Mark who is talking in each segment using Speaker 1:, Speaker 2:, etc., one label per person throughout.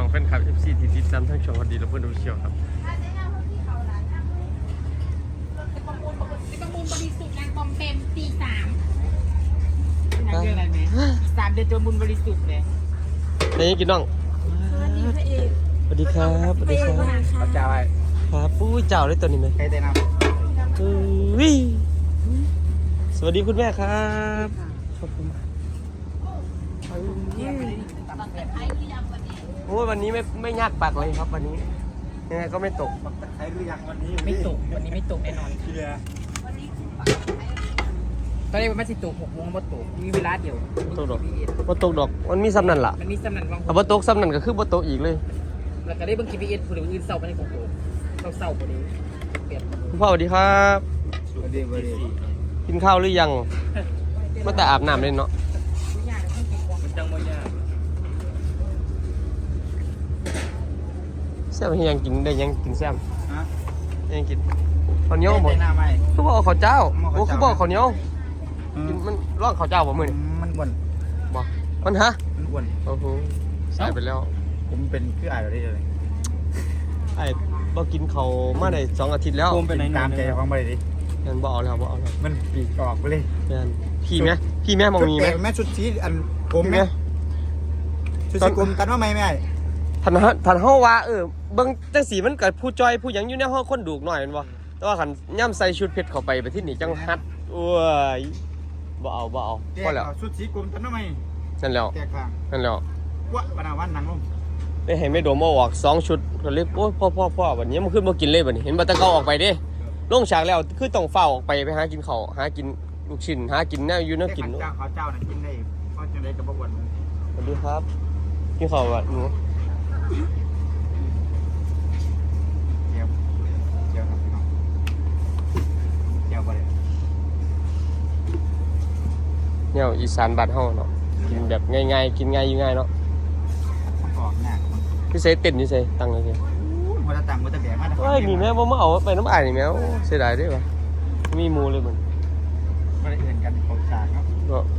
Speaker 1: แฟนคลับ FC ที่ติดตามทั้งช่องฮอตดีและเพื่อนดูเชียวครับ
Speaker 2: ประมูลบริสุทธิ์งานคอมเต็มตี3นางเรื่องอะไรไหม3 เดือนประมูลบริสุทธิ์เลย
Speaker 1: นี่กินน้อง
Speaker 2: สวัสดีพระเอก
Speaker 1: สวัสดีครับสวัสดีครับ
Speaker 3: พระเจ้าไอ้
Speaker 1: ครับปุ้ยเจ้าเลยตัวนี้ไหม
Speaker 3: ใครได้น
Speaker 1: สวัสดีคุณแม่ครับขอบคุณโอ้ยวันนี้ไม่ยากปากเลยครับวันนี้ยังไงก็ไม่ตก
Speaker 3: ใครรู้ยังวันนี้
Speaker 2: ไม่ตกวันนี้ไม่ตกแน่นอนตอนนี้มันไม่ใช่ตก6 โมงบ่ตกมีเวลาเดียว
Speaker 1: ตกดอกบ่ตกดอกมันมีซ้ำนั่นล่ะ
Speaker 2: มันมีซ้ำนั่นบาง
Speaker 1: บ่ตกซ้ำนั่นก็คือบ่ตกอีกเลย
Speaker 2: แล้วก็ได้เบิ่ง GPS ผู้อื่นเศร้าไปในของโตเศร้าพอดีเปลี่ยน
Speaker 1: คุณพ่อสวัสดีครับ
Speaker 3: สวัสดี
Speaker 1: กินข้าวหรือยังมาแต่อาบน้ำเลยเนาะ
Speaker 3: มันจังบ่ยาก
Speaker 1: แซ่บยังกินได้ยังกินแซ่บยังกินข้าวเหนียว
Speaker 3: บ่
Speaker 1: คือบอกข้าวเจ้าโอ้คือบอกข้าวเหนียวกินมันร่องข้าวเจ้าบ่มื้อนี่
Speaker 3: มันอ้วน
Speaker 1: บ่มันฮะ
Speaker 3: มันอ้วน
Speaker 1: โอ้โหใส่ไปแล้ว
Speaker 3: ผมเป็นคืออ้ายได้เลย
Speaker 1: ไอ้บ่กินข้าวมาได้2 อาทิตย์แล้ว
Speaker 3: ผมเป็นตามใจของบ่ได้ดิ
Speaker 1: งั้นบ่เอาแล้ว
Speaker 3: มันปีกออกไปเลย
Speaker 1: งั้นพี่แม่มองมีมั้ย
Speaker 3: แม่ชุดสีอันผมแม่ชุดสีกลมกันว่าไหมแม่
Speaker 1: ท่านเฮาว่าเบิ่งจังสีมันก็ผู้จอยผู้หยังอยู่ในห้องคนดูกหน่อยแม่นบ่แต่ว่าคันย่ำใส่ชุดเพชรเข้าไปที่นี่จังฮัดโอ้ยบ่เอาพอแล้ว
Speaker 3: ชุดสีกลมกันว่าไหม
Speaker 1: นั่นแล้วนั่นแล้ว
Speaker 3: วะวันหนังลง
Speaker 1: ได้ให้ไม่โดมออก2 ชุดก็เลยโอ้พ่อวันนี้มันขึ้นบ่กินเลยบัดนี้เห็นบ่ตะเกาออกไปเด้ลงฉากแล้วคือต้องเฝ้าออกไปหากินข้าวหากินลูกชิ้นหากินแนวอยู่แนวกิน
Speaker 3: ข้าวเจ้าน่ะกินได้เพราะจังได๋ก็บ่อ้วน
Speaker 1: สวัสดีครับกินข้าวบ่หนู
Speaker 3: เดี๋ยวครับพี่น้องเดี๋ยวบ่ได้
Speaker 1: แนวอีสานบ้านเฮาเนาะกินแบบง่ายๆกินง่ายอยู่ง่ายเนาะ
Speaker 3: ออกหน้า
Speaker 1: พี่เสเต้นอยู่ไสตั้งเลย
Speaker 3: บ่ได้ตั้งบ่ได้แบกมา
Speaker 1: เฮ้ยมีแม่บ่มาเอาไปน้ำอ้ายนี่แม่เสียดายเด้ว่ะมีหมู่เลยมัน
Speaker 3: บ่ได้เอื่นกันเข้าฉากครับ
Speaker 1: เนาะ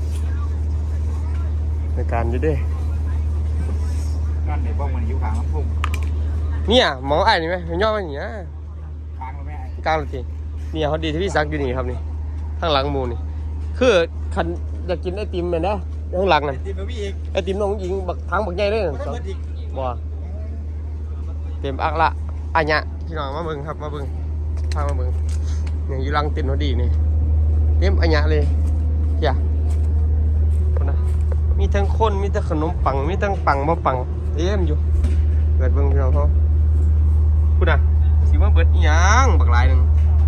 Speaker 1: ในการอยู่เด้
Speaker 3: นั่นได้บ่มันอยู่ข้างลำโพง
Speaker 1: เนี่ยหมออ้ายนี่แม่ย่อมานี่นะ
Speaker 3: ข้างแล้วแม่
Speaker 1: กลางเลยทีเนี่ยเขาดีที่พี่ซักอยู่นี่ครับนี่ข้างหลังหมู่นี่คือคันอยากกินไอติมแม่นเด้อข้างหลังนั่นไอติมน้องหญิงบักทางบักใหญ่เลยนั่นบ่เต็มอักละอันเนี้ยพี่น้องมาเบิ่งครับมาเบิ่งพามาเบิ่งเนี่ยอยู่หลังเต็มพอดีนี่เต็มอันเนี้ยเลยเฮียคนนะมีทั้งคนมีทั้งขนมปังมีทั้งปังบ่ปังเต็มอยู่เกิดเบิ่งพี่น้องเขาคุณน่ะสิว่าเบิดอีหยังบักหลายนึง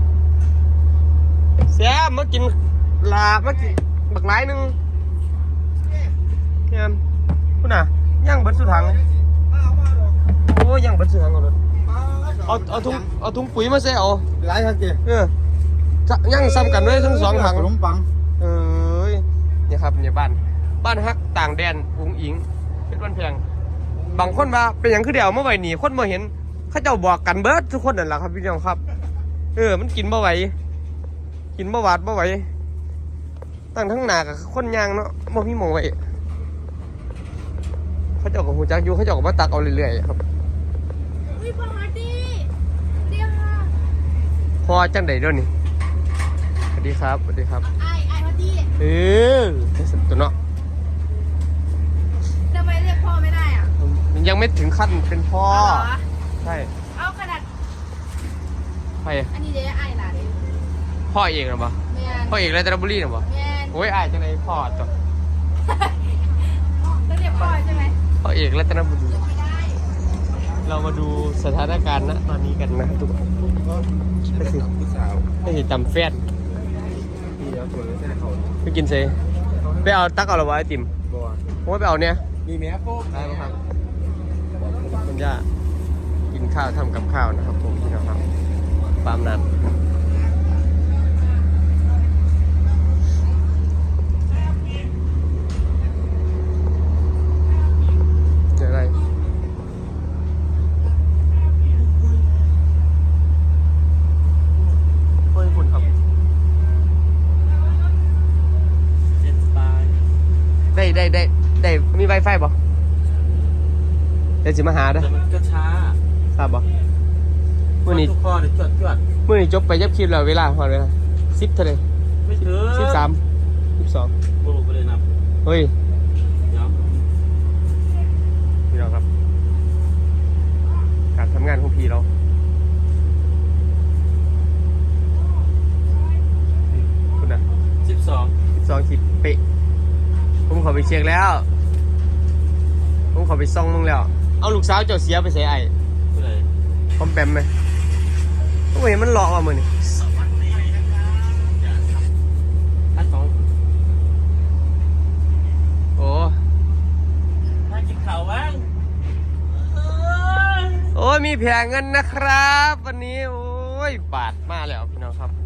Speaker 1: แซ่บมากินลามากินบักหลายนึงเฮียคุณน่ะย่างเบิดสุดทางโอ้ยังบันเสืองเอาถุงปุ๋ยมาใส่เอา
Speaker 3: หลายครับเจ้
Speaker 1: ยังซ้ำกันด้วยทั้ง2 ถัง
Speaker 3: ขนมปัง
Speaker 1: เนี่ยครับเนี่ยบ้านฮักต่างแดนอุ้งอิงเป็นวันแพงบางคนว่าเป็นอย่างคือเดียวเมื่อไหร่หนีคนมาเห็นเขาเจ้าบอกกันเบิร์ดทุกคนนั่นแหละครับพี่น้องครับมันกินบ่ไหวกินบ่หวาดบ่ไหวตั้งทั้งหนากับคนยางเนาะบ่มีมองไว้เขาเจ้ากับหูจักอยู่เขาเจ้ากับมาตักเอาเรื่อยๆครับ
Speaker 2: พอดีเดี๋ยวค่ะ
Speaker 1: พอจังไดด้วยนี่สวัสดีครับไ
Speaker 2: อ้พอดี
Speaker 1: ตัวเนาะ
Speaker 2: ทำไมเรียกพ่อไม่ได้อ่ะ
Speaker 1: มันยังไม่ถึงขั้นเป็นพ่อใช่
Speaker 2: เอาขนาด
Speaker 1: ใคร
Speaker 2: อันนี้เดี๋ยวไอ้ล่ะเดี๋ยว
Speaker 1: พ่อเอกหรอปะพ่อเอกรัตนบุรีหรอปะโอ้ยไอ้จังไดพ่อจ้ะ
Speaker 2: ต้องเรียกพ่อใช่ไหม
Speaker 1: พ่อเอกรัตนบุรีเรามาดูสถานการณ์ณตอนนี้กันนะทุกคนไม่ใช่จำแฟนไปกินเซ่ไปเอาตักเอาหรอวะไอติมผมว่าไปเอาเนี่ย
Speaker 3: มีแม่โป๊ก
Speaker 1: ได้ครับคุณย่ากินข้าวทำกับข้าวนะครับผมพี่น้องครับปามนั้นเจออะไรได้มี Wi-Fi บ่ดี๋ยวสิมาหาเด้อ
Speaker 3: แต่มันก็ช้า
Speaker 1: ทราบบ่มื้อนี้
Speaker 3: ทุกข้อเนี่ยจวด
Speaker 1: มื้อนี้จบไปยับคลิปแล้วเวลาฮอดเวลา10เท่าใด
Speaker 3: ไม่ถึง
Speaker 1: 13 12
Speaker 3: บุรุษไปเลยนะ
Speaker 1: เฮ้ย
Speaker 3: เดี๋ยว
Speaker 1: พี่น้องครับ การทำงานของพี่เราคุณนะ
Speaker 3: 12
Speaker 1: 12คลิปเป๊ะผมขอไปเช็คแล้วผมขอไปซ่องมึงแล้วเอาลูกสาวเจ้าเสียไปใส่ไอ้
Speaker 3: ไปเลย
Speaker 1: พร้อมแปมไหมโอ้ยมันหลอกว่ะมือนี่
Speaker 3: อันสอง
Speaker 1: โอ้
Speaker 3: ถ้ากินข่าวบ้าง
Speaker 1: โอ้ยมีแผงเงินนะครับวันนี้โอ้ยบาทมาแล้วพี่น้องครับ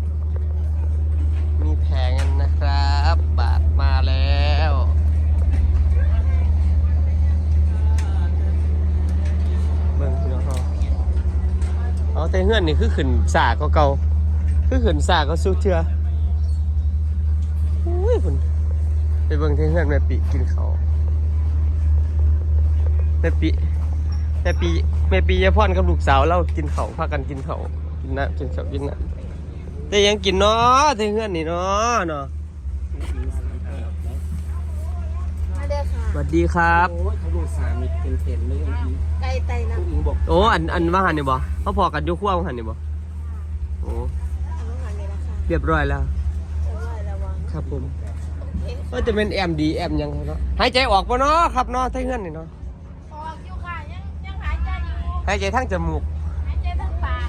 Speaker 1: มีแผงเงินนะครับบาทมาแล้วเบิ่งพี่น้องเขาเอาแต่เฮือนนี่คือขึ้นสาก็เก่าคือขึ้นสาก็สู้เชื่อโอ้ยคุณไปเบิ่งแต่เฮือนแม่ปีกินเขาวแม่ปียายพ่อนกับลูกสาวเรากินเขาวพากันกินเขาวกินน้ำกินข้าวกินน้ำแต่ยังกินเนาะแต่เฮือนนี่เนาะ
Speaker 4: มาเด้อค่ะ
Speaker 1: สวัสดีครับ
Speaker 3: โอ้ยเขาดูสามีเต็มๆเลยอีก
Speaker 4: ไก่ไตนะ
Speaker 3: ผู้หญิงบอก
Speaker 1: โอ้อันว่าหันนี่บ่เขาพอกันอยุ่ขั้วหันนี่บ่โอ้
Speaker 4: อันนู้นหันเลยนะคะ
Speaker 1: เรียบร้อยแล้ว
Speaker 4: จะไหว้ระวัง
Speaker 1: ครับผม
Speaker 4: เอ๊ะ
Speaker 1: ก็จะเป็นแอมดีแอมยังไงเนาะหายใจออกปะเนาะครับเนาะไทเฮือนนี่เนาะ
Speaker 4: ออกอยู่ค่ะยังหายใจอยู่
Speaker 1: หายใจทั้งจมูก
Speaker 4: หายใจทั้งปาก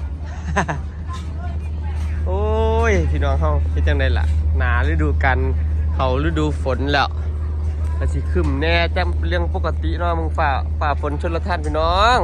Speaker 1: โอ้ยพี่น้องเขาเป็นจังไดล่ะหนาฤดูกันเขาฤดูฝนแล้วแต่สิขึ้นแน่จำเรื่องปกติเนาะมึงฝ่าฝนชนละท่านพี่น้อง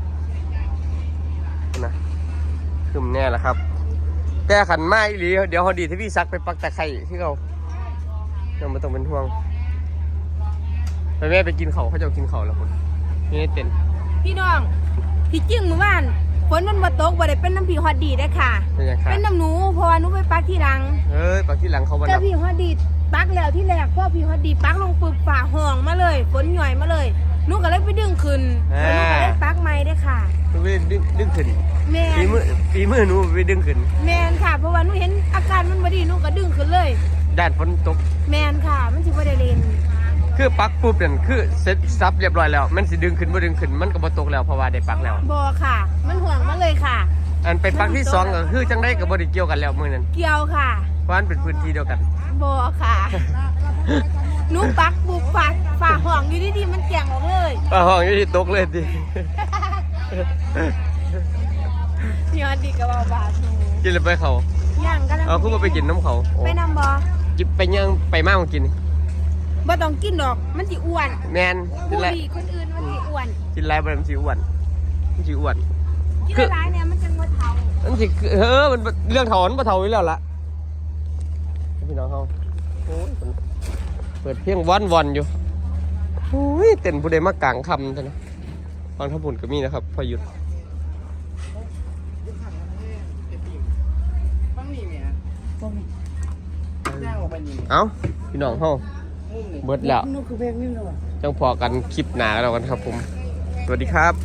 Speaker 1: นะขึ้นแน่ละครับ แต่ขันไม้อีหลีเดี๋ยวเขาดีที่พี่ซักไปปักตะไคร่ที่เขาเราไม่ต้องเป็นห่วงไปแม่ไปกินเขาจะกินเขาแล้วคนนี่เต้น
Speaker 4: พี่น้องที่จริงเมื่อวานฝนมันมาตกบ่ได้เป็นน้ำผีฮอดดีได้อค่ะ
Speaker 1: เป็นยังไง
Speaker 4: เป็นน้ำหนูเพราะว่าหนูไปปักที่หลัง
Speaker 1: เฮ้ยปักที่หลังเขาวัน
Speaker 4: แต่
Speaker 1: นับ
Speaker 4: ผีฮอดดีปักแล้วที่แรกพ่อผีฮอดดีปักลงปึบฝ่าห้องมาเลยฝนหย่อยมาเลยหนูก็เลยไปดึงขึ้นแล้วหนูก็เลยปักใหม่ได้อค่ะ
Speaker 1: ไปดึงขึ้น
Speaker 4: แมน
Speaker 1: ปีมือหนูไปดึงขึ้น
Speaker 4: แมนค่ะ เพราะว่าหนูเห็นอาการมันบ่ดีหนูก็ดึงขึ้นเลย
Speaker 1: ด้านฝนตก
Speaker 4: แมนค่ะ มันสิบ่ได้เล่น
Speaker 1: คือปักปุ๊บนั่นคือเซ็ตซับเรียบร้อยแล้ว มันสิดึงขึ้นบ่ดึงขึ้นมันก็บ่ตกแล้วเพราะว่าได้ปักแล้ว
Speaker 4: บ่ค่ะ มันห่วงมาเลยค่ะ
Speaker 1: อันเป็นปักที่สองก็คือจังได้ก็บ่ได้เกี่ยวกันแล้วมื้อนั้น
Speaker 4: เกี่ยวค่ะ
Speaker 1: เพราะมันเป็นพื้นที่เดียวกัน
Speaker 4: บ่ค่ะ หนูปักบุกฝ่าห้องอยู่ดีๆมันแก่งออกเลย
Speaker 1: ป้าห้องอยู่ที่ตกเลยติ
Speaker 4: ยอดดีกับว่าบาทหนู
Speaker 1: กินเลยไปเขา
Speaker 4: ย่างกัน
Speaker 1: เอาคือบ่ไปกินน้ำเขาโอ้
Speaker 4: ไปนำบ่
Speaker 1: จิบไปยังไปมากมากิน
Speaker 4: บ่ต้องกินดอก มันสิอ้วน
Speaker 1: แมนกิ
Speaker 4: ผู้
Speaker 1: นไร
Speaker 4: ดีคนอื่นมันสิอ้วน
Speaker 1: กินไรบ่ได้มันสิอ้วนมันสิอ้วน
Speaker 4: กินหลายๆเนี่ยมันจังบ่เฒ่า
Speaker 1: มันสิมันเรื่องถอนบ่เท่าอยู่แล้วล่ะพี่น้องเขาโอ้ยเปิดเพียงวันอยู่โอ้ยเต้นผู้ใดมากลางคำท่านนะฟังทับบุญก็มีนะครับพอหยุด
Speaker 3: บ้างนี่เมียย่างออกไปนี่
Speaker 1: เอ้าพี่น้องเขา
Speaker 3: มุมนี่
Speaker 1: เบิดแล้ว
Speaker 3: นู่นคือเพลงนี่เลยว่ะ
Speaker 1: จังพอกันคลิปหนาแล้วกันครับผม สวัสดีครับ